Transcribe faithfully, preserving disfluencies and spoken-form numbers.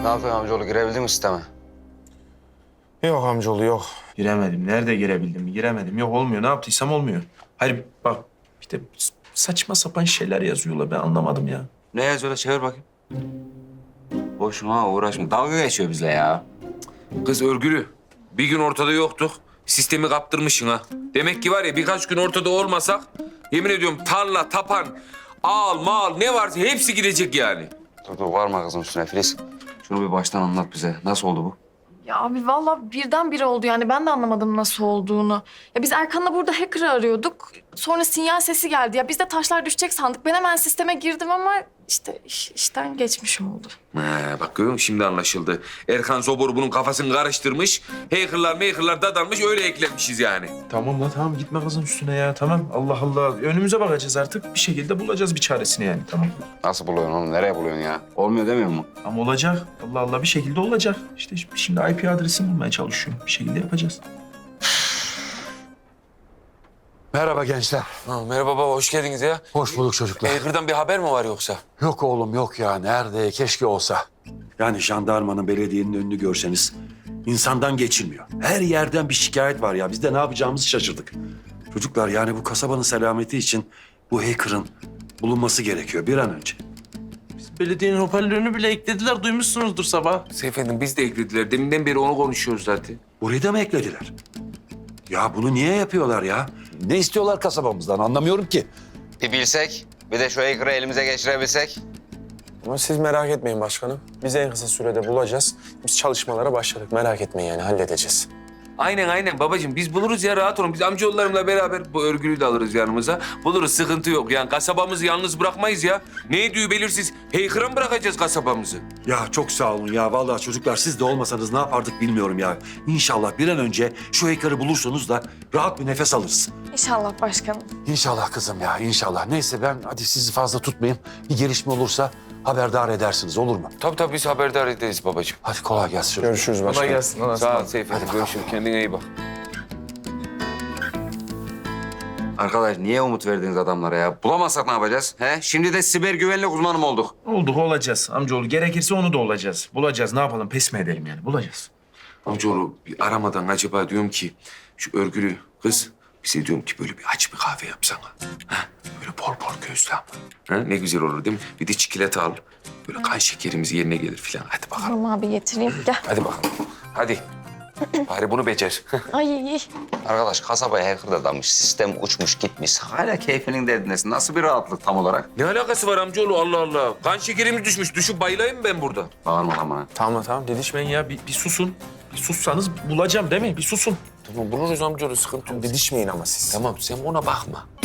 Ne yapıyorsun amcaoğlu? Girebildin mi sisteme? Yok amcaoğlu yok. Giremedim. Nerede girebildim? Giremedim. Yok olmuyor. Ne yaptıysam olmuyor. Hayır bak bir de saçma sapan şeyler yazıyorlar. Ben anlamadım ya. Ne yazıyor da çevir bakayım. Boşuna uğraşma. Dalga geçiyor bizle ya. Kız örgülü. Bir gün ortada yoktuk. Sistemi kaptırmışsın ha. Demek ki var ya birkaç gün ortada olmasak yemin ediyorum tarla, tapan, ağal, mal ne varsa hepsi gidecek yani. Dur dur varma kızım üstüne Filiz. Şunu bir baştan anlat bize. Nasıl oldu bu? Ya abi vallahi birdenbire oldu yani ben de anlamadım nasıl olduğunu. Ya biz Erkan'la burada hacker'ı arıyorduk. Sonra sinyal sesi geldi. Ya biz de taşlar düşecek sandık. Ben hemen sisteme girdim ama işte iş, işten geçmiş oldu. He, bak görüyor musun şimdi anlaşıldı. Erkan Zobor bunun kafasını karıştırmış. Hackerlar makerlar dadanmış öyle eklenmişiz yani. Tamam lan tamam gitme kızın üstüne ya tamam. Allah Allah önümüze bakacağız artık. Bir şekilde bulacağız bir çaresini yani tamam. Nasıl buluyorsun oğlum? Nereye buluyorsun ya? Olmuyor demiyor mu? Ama olacak. Allah Allah bir şekilde olacak. İşte şimdi I P adresini bulmaya çalışıyorum. Bir şekilde yapacağız. Merhaba gençler. Ha, merhaba baba hoş geldiniz ya. Hoş bulduk çocuklar. Hacker'dan bir haber mi var yoksa? Yok oğlum yok ya. Nerede? Keşke olsa. Yani jandarmanın, belediyenin önünü görseniz insandan geçilmiyor. Her yerden bir şikayet var ya. Biz de ne yapacağımızı şaşırdık. Çocuklar yani bu kasabanın selameti için bu hacker'ın bulunması gerekiyor bir an önce. Belediyenin hoparlörünü bile eklediler. Duymuşsunuzdur sabah. Efendim biz de eklediler. Deminden beri onu konuşuyoruz zaten. Burayı da mı eklediler? Ya bunu niye yapıyorlar ya? Ne istiyorlar kasabamızdan anlamıyorum ki. Bir bilsek, bir de şu hacker'ı elimize geçirebilsek. Ama siz merak etmeyin başkanım. Biz en kısa sürede bulacağız. Biz çalışmalara başladık. Merak etmeyin yani halledeceğiz. Aynen aynen babacığım biz buluruz ya rahat olun. Biz amcaoğullarımla beraber bu örgülüyü de alırız yanımıza. Buluruz sıkıntı yok yani kasabamızı yalnız bırakmayız ya. Ne ediyor belirsiz. Heyhıra mı bırakacağız kasabamızı? Ya çok sağ olun ya. Vallahi çocuklar siz de olmasanız ne yapardık bilmiyorum ya. İnşallah bir an önce şu hacker'ı bulursunuz da rahat bir nefes alırız. İnşallah başkanım. İnşallah kızım ya inşallah. Neyse ben hadi sizi fazla tutmayayım. Bir gelişme olursa haberdar edersiniz olur mu? Tabii tabii biz haberdar ederiz babacığım. Hadi kolay gelsin çocuklar. Görüşürüz başkanım. Kolay gelsin. Allah'a Sağ ol ısmarladık. Seyfi. Hadi görüşürüz. Kendine iyi bak. Arkadaş niye umut verdiniz adamlara ya? Bulamazsak ne yapacağız? He? Şimdi de siber güvenlik uzmanı mı olduk? Olduk olacağız amcaoğlu. Gerekirse onu da olacağız. Bulacağız ne yapalım pes mi edelim yani bulacağız. Amcaoğlu bir aramadan acaba diyorum ki şu örgülü kız bize diyorum ki böyle bir aç bir kahve yapsana. Ha? Böyle bol bol gözlü ama. Ha? Ne güzel olur değil mi? Bir de çikolata al. Böyle kan şekerimiz yerine gelir falan. Hadi bakalım. Tamam abi getireyim. Gel. Hadi bakalım. Hadi. Bari bunu becer. Ay iyi. Arkadaş kasabaya hacker dadanmış, sistem uçmuş gitmiş. Hala keyfinin derdindesin. Nasıl bir rahatlık tam olarak? Ne alakası var amcaoğlu Allah Allah. Kan şekerimiz düşmüş. Düşüp bayılayım mı ben burada? Bağırma lan bana. Tamam tamam dedik. Didişmeyin ya bir, bir susun. Bir sussanız bulacağım değil mi? Bir susun. Tamam buluruz amcaoğlu sıkıntı yok. Didişmeyin ama siz. Tamam sen ona bakma.